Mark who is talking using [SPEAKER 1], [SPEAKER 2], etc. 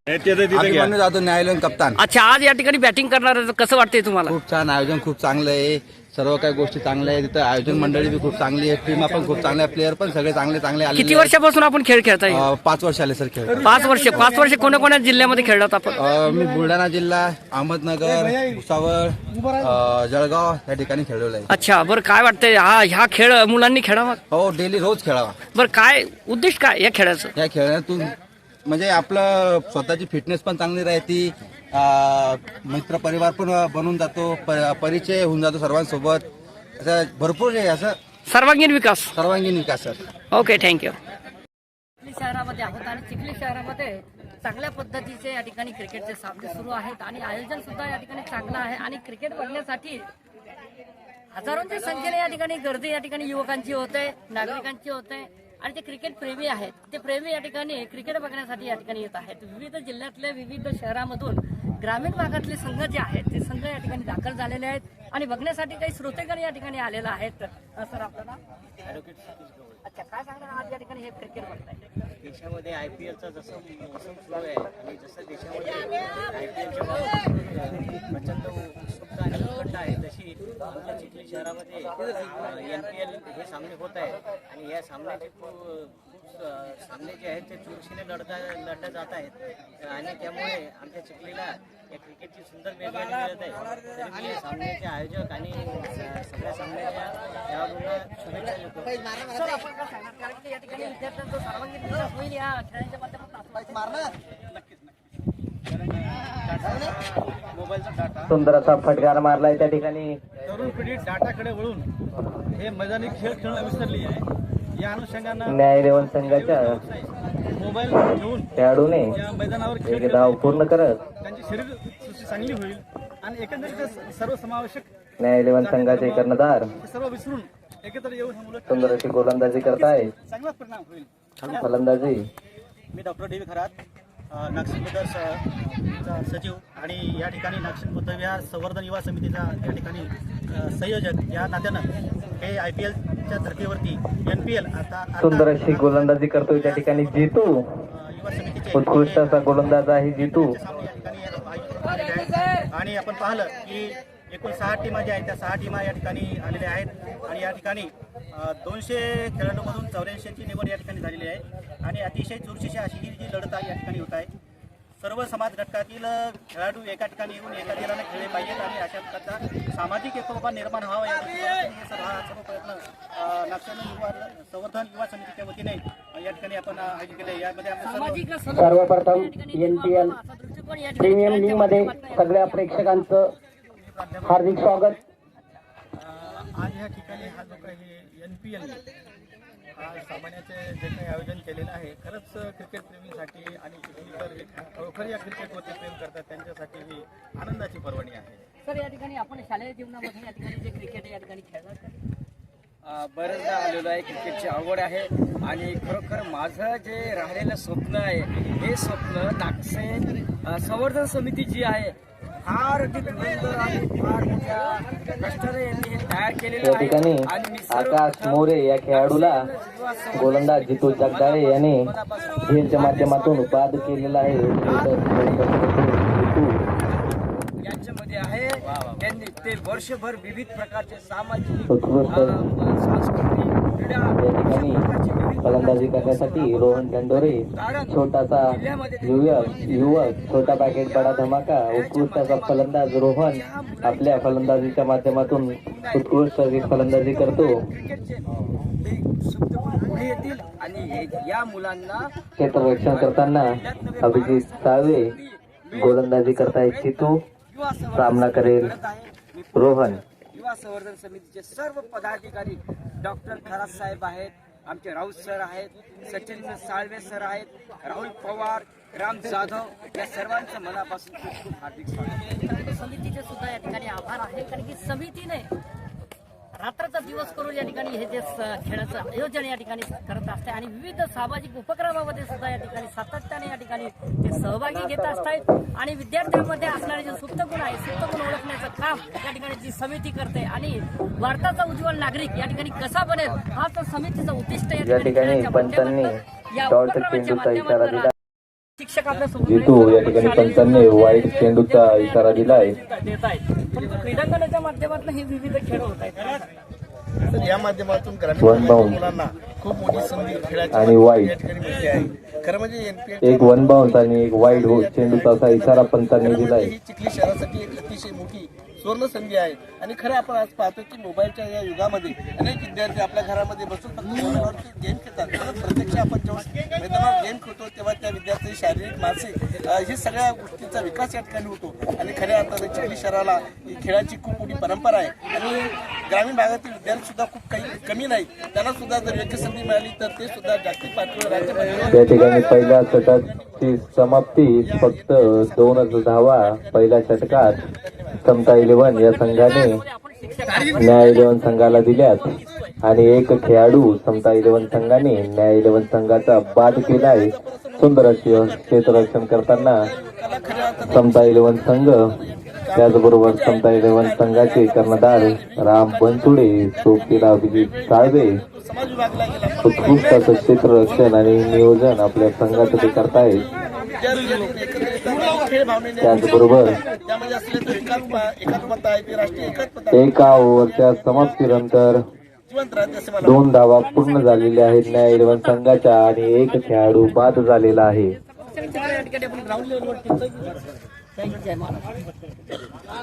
[SPEAKER 1] अभिमन्यू जाधव न्यायालयीन कप्तान.
[SPEAKER 2] अच्छा, आज या ठिकाणी बॅटिंग करणार आहे, कसं वाटतंय तुम्हाला?
[SPEAKER 1] खूप छान आयोजन, खूप चांगलं आहे. सर्व काही गोष्टी चांगल्या आहे. तिथं आयोजन मंडळी बी खूप चांगली आहे. टीम पण खूप चांगल्या, प्लेयर पण सगळे चांगले चांगले आले.
[SPEAKER 2] किती वर्षापासून आपण खेळ खेळताय?
[SPEAKER 1] 5 वर्ष आले सर खेळ.
[SPEAKER 2] 5 वर्ष. 5 वर्ष कोणत्या जिल्ह्यामध्ये खेळलात आपण?
[SPEAKER 1] मी बुलढाणा जिल्हा, अहमदनगर, भुसावळ, जळगाव या ठिकाणी खेळलेलो आहे.
[SPEAKER 2] अच्छा, बरं काय वाटतंय ह्या खेळ मुलांनी खेळावा?
[SPEAKER 1] हो, डेली रोज खेळावा.
[SPEAKER 2] बरं, काय उद्देश काय या खेळाचं?
[SPEAKER 1] या खेळातून म्हणजे आपलं स्वतःची फिटनेस पण चांगली राहते. मित्र परिवार पण बनून जातो, परिचय होऊन जातो सर्वांसोबत. असं भरपूर आहे, असं
[SPEAKER 2] सर्वांगीण विकास.
[SPEAKER 1] सर्वांगीण विकास सर.
[SPEAKER 2] Okay, thank you. चिखली शहरामध्ये आहोत आणि चिखली शहरामध्ये चांगल्या पद्धतीचे या ठिकाणी क्रिकेटचे सामने सुरू आहेत आणि आयोजन सुद्धा या ठिकाणी चांगलं आहे आणि क्रिकेट बघण्यासाठी हजारोंच्या संख्येने या ठिकाणी गर्दी या ठिकाणी युवकांची होते, नागरिकांची होते आणि ते क्रिकेट प्रेमी आहेत. ते प्रेमी या ठिकाणी क्रिकेट बघण्यासाठी या ठिकाणी येत आहेत. विविध जिल्ह्यातल्या विविध शहरामधून ग्रामीण भागातले संघ जे आहेत ते संघ या ठिकाणी दाखल झालेले आहेत आणि बघण्यासाठी काही श्रोतेगण या ठिकाणी आलेला आहेत. सर, आपल्याला अच्छा, काय सांगणार आज या ठिकाणी हे क्रिकेट बघताय?
[SPEAKER 3] देशामध्ये आयपीएलचा जसं मोसम सुरू आहे आणि जसं देशामध्ये आयपीएलच्या बाबतीत प्रचंड उत्सुकता आणि उत्कंठा आहे, तशी आमच्या चिखली शहरामध्ये NPL हे सामने होत आहेत आणि या सामन्याचे खूप सामने जे आहेत ते चुरशीने लढल्या जात आहेत आणि त्यामुळे आमच्या चिखलीला या क्रिकेटची सुंदर मेजवानी मिळत आहे. तरी मी या सामन्याचे आयोजक आणि सगळ्या सामन्याच्या खेळाडूंना शुभेच्छा देतो.
[SPEAKER 2] सर, आपण काय सांगणार, कारण की या ठिकाणी विद्यार्थ्यांचा सर्वांगीण विकास होईल या खेळांच्या माध्यमातून.
[SPEAKER 4] सुंदर असा फटकार मारलाय त्या ठिकाणी.
[SPEAKER 5] तरुण पिढी डाटाकडे वळून हे मैदानी खेळ खेळणं विसरली आहे. या अनुषंगानं
[SPEAKER 4] न्यायालयीन संघाच्या
[SPEAKER 5] मोबाईल घेऊन
[SPEAKER 4] खेळाडूने
[SPEAKER 5] या मैदानावर
[SPEAKER 4] एक धाव पूर्ण करत
[SPEAKER 5] त्यांची शरीर सृष्टी चांगली होईल आणि एकंदरीत सर्वसमावेशक
[SPEAKER 4] न्यायालयीन संघाचे कर्णधार
[SPEAKER 5] हे सर्व विसरून एकत्र येऊन हे मुलं
[SPEAKER 4] सुंदर अशी गोलंदाजी करताय.
[SPEAKER 5] चांगलाच परिणाम होईल.
[SPEAKER 4] फलंदाजी
[SPEAKER 3] मी डॉक्टर डी. खरात, नागसिंग बुद्धाचा सचिव आणि या ठिकाणी नागसिंग बुद्धविहार संवर्धन युवा समितीचा या ठिकाणी संयोजक या नात्यानं हे IPLच्या धर्तीवरती NPL आता
[SPEAKER 4] सुंदर अशी गोलंदाजी करतोय त्या ठिकाणी जितू.
[SPEAKER 3] युवा समितीचे
[SPEAKER 4] उत्कृष्ट असा गोलंदाज आहे जितू.
[SPEAKER 3] सामने या ठिकाणी आयोजित झालेले आहेत आणि आपण पाहिलं की एकूण 6 टीमा ज्या आहेत त्या 6 टीमा या ठिकाणी आलेल्या आहेत आणि या ठिकाणी 200 खेळाडूंमधून 84ची निवड या ठिकाणी झालेली आहे आणि अतिशय चुरशीची अशी ही जी लढत आहे या ठिकाणी होत आहे. सर्व समाज घटकातील खेळाडू एका ठिकाणी येऊन एका दिलाने खेळले पाहिजेत आणि अशा प्रकारचा सामाजिक एकोपा निर्माण व्हावा या दृष्टीने हा सर्व प्रयत्न नागसिंग युवा संवर्धन युवा समितीच्या वतीने या ठिकाणी आपण आयोजित केले. यामध्ये आपण
[SPEAKER 4] सर्वप्रथम NPL प्रीमियम लीग मध्ये सगळ्या प्रेक्षकांचं हार्दिक स्वागत.
[SPEAKER 5] आज या ठिकाणी हा जो काही NPL हा सामन्याचे जे काही आयोजन केलेलं आहे, खरंच क्रिकेट प्रेमीसाठी आणि चिखलीकर खरोखर या क्रिकेटवरती प्रेम करतात त्यांच्यासाठी ही आनंदाची पर्वणी आहे.
[SPEAKER 2] सर, या ठिकाणी आपण शालेय जीवनामध्ये या ठिकाणी जे क्रिकेट या ठिकाणी खेळतात,
[SPEAKER 6] बरेचदा आलेलो आहे. क्रिकेटची आवड आहे आणि खरोखर माझं जे राहिलेलं स्वप्न आहे हे स्वप्न नागसेन संवर्धन समिती जी आहे फार धुरंधर आणि फार मोठ्या कष्टाने यांनी हे तयार केलेलं
[SPEAKER 4] या ठिकाणी
[SPEAKER 6] आहे आणि मी
[SPEAKER 4] आकाश मोरे या खेळाडूला गोलंदाज जितू जगदाळे याने झेलच्या माध्यमातून बाद केलेला आहे.
[SPEAKER 6] यांच्यामध्ये आहे त्यांनी ते वर्षभर विविध प्रकारचे सामाजिक
[SPEAKER 4] उत्कृष्ट
[SPEAKER 6] सांस्कृतिक क्रीडा
[SPEAKER 4] या ठिकाणी फलंदाजी करण्यासाठी रोहन दंडोरे छोटासा युवक छोटा पॅकेट बडा धमाका. उत्कृष्ट असा फलंदाज रोहन आपल्या फलंदाजीच्या माध्यमातून उत्कृष्ट अशी फलंदाजी करतो.
[SPEAKER 6] पुढे येतील आणि या मुलांना
[SPEAKER 4] क्षेत्ररक्षण करताना अभिजित साळवे गोलंदाजी करतायत जितू. सामना करेल रोहन.
[SPEAKER 6] युवा संवर्धन समितीचे सर्व पदाधिकारी डॉक्टर खरात साहेब आहेत, आमचे राऊत सर आहेत, सचिन साळवे सर आहेत, राहुल पवार, राम जाधव या सर्वांचं मनापासून खूप खूप हार्दिक स्वागत.
[SPEAKER 2] समितीचे सुद्धा या ठिकाणी आभार आहे, कारण की समितीने रात्राचा दिवस करून या ठिकाणी हे जे खेळाचं आयोजन या ठिकाणी करत असते आणि विविध सामाजिक उपक्रमामध्ये सुद्धा या ठिकाणी सातत्याने या ठिकाणी ते सहभागी घेत असतात आणि विद्यार्थ्यांमध्ये असणारे जे सुप्त गुण आहे सुप्त गुण ओळखण्याचं काम या ठिकाणी जी समिती करते आणि भारताचा उज्ज्वल नागरिक या ठिकाणी कसा बनेल हा तर समितीचं उद्दिष्ट
[SPEAKER 4] या ठिकाणी पंचांनी डॉट चेंडूचा इशारा दिला.
[SPEAKER 2] शिक्षक आपल्या सोबत
[SPEAKER 4] जितू या ठिकाणी पंचांनी वाईट चेंडूचा इशारा दिलाय.
[SPEAKER 2] देत आहेत पण क्रीडांगणाच्या माध्यमातून हे विविध खेळ होत आहेत.
[SPEAKER 5] तर या माध्यमातून ग्रामीण
[SPEAKER 4] वन
[SPEAKER 5] भागातील
[SPEAKER 4] बाउंड
[SPEAKER 5] मुलांना खूप मोठी संधी खेळाची
[SPEAKER 4] आणि वाईट.
[SPEAKER 5] या ठिकाणी मिळते आहे. खरं म्हणजे एनपीएल
[SPEAKER 4] एक वन बाउन्स आणि एक वाईड चेंडूचा असा इशारा पंचांनी दिलाय.
[SPEAKER 5] ही चिखली शहरासाठी एक अतिशय मोठी सुवर्ण संधी आहे. आणि खरं आपण आज पाहतो की मोबाईलच्या या युगामध्ये अनेक विद्यार्थी आपल्या घरामध्ये बसून फक्त मोबाईलवरती गेम खेळतात. पण प्रत्यक्ष आपण जेव्हा मैदानावर गेम खेळतो तेव्हा त्या विद्यार्थ्यांची शारीरिक मानसिक ही सगळ्या गोष्टींचा विकास या ठिकाणी होतो. आणि खऱ्या अर्थाने चिखली शहराला ही खेळाची खूप मोठी परंपरा आहे. आणि ग्रामीण भागातील विद्यार्थी सुद्धा खूप काही कमी नाही. त्यांना सुद्धा जर योग्य संधी मिळाली तर ते सुद्धा जागतिक पातळीवर राज्य पातळीवर
[SPEAKER 4] या ठिकाणी पहिल्या षटकाची समाप्ती फक्त 2 धावा पहिल्या षटकात समता 11 या संघाने न्याय 11 संघाला दिल्यात आणि एक खेळाडू समता 11 संघाने न्याय 11 संघाचा बाद केलाय. सुंदर असे क्षेत्ररक्षण करताना समता 11 संघ, त्याचबरोबर समता 11 संघाचे कर्णधार राम बनसुडे, सोबतीला अभिजित साळवे
[SPEAKER 5] समाज विभागला गेला.
[SPEAKER 4] उत्कृष्ट असं क्षेत्ररक्षण आणि नियोजन आपल्या संघाचं ते करतायत.
[SPEAKER 5] खेळ भावनेने
[SPEAKER 4] त्याचबरोबर
[SPEAKER 5] त्यामध्ये असलेले तो एकात्मता आहे ती राष्ट्रीय एकात्मता
[SPEAKER 4] एका ओव्हरच्या समाप्तीनंतर
[SPEAKER 5] जिवंत राहते असे मला
[SPEAKER 4] 2 धावा पूर्ण झालेल्या आहेत न्याय 11 संघाच्या आणि एक खेळाडू बाद झालेला आहे.
[SPEAKER 2] या ठिकाणी आपण ग्राउंड लेवलवर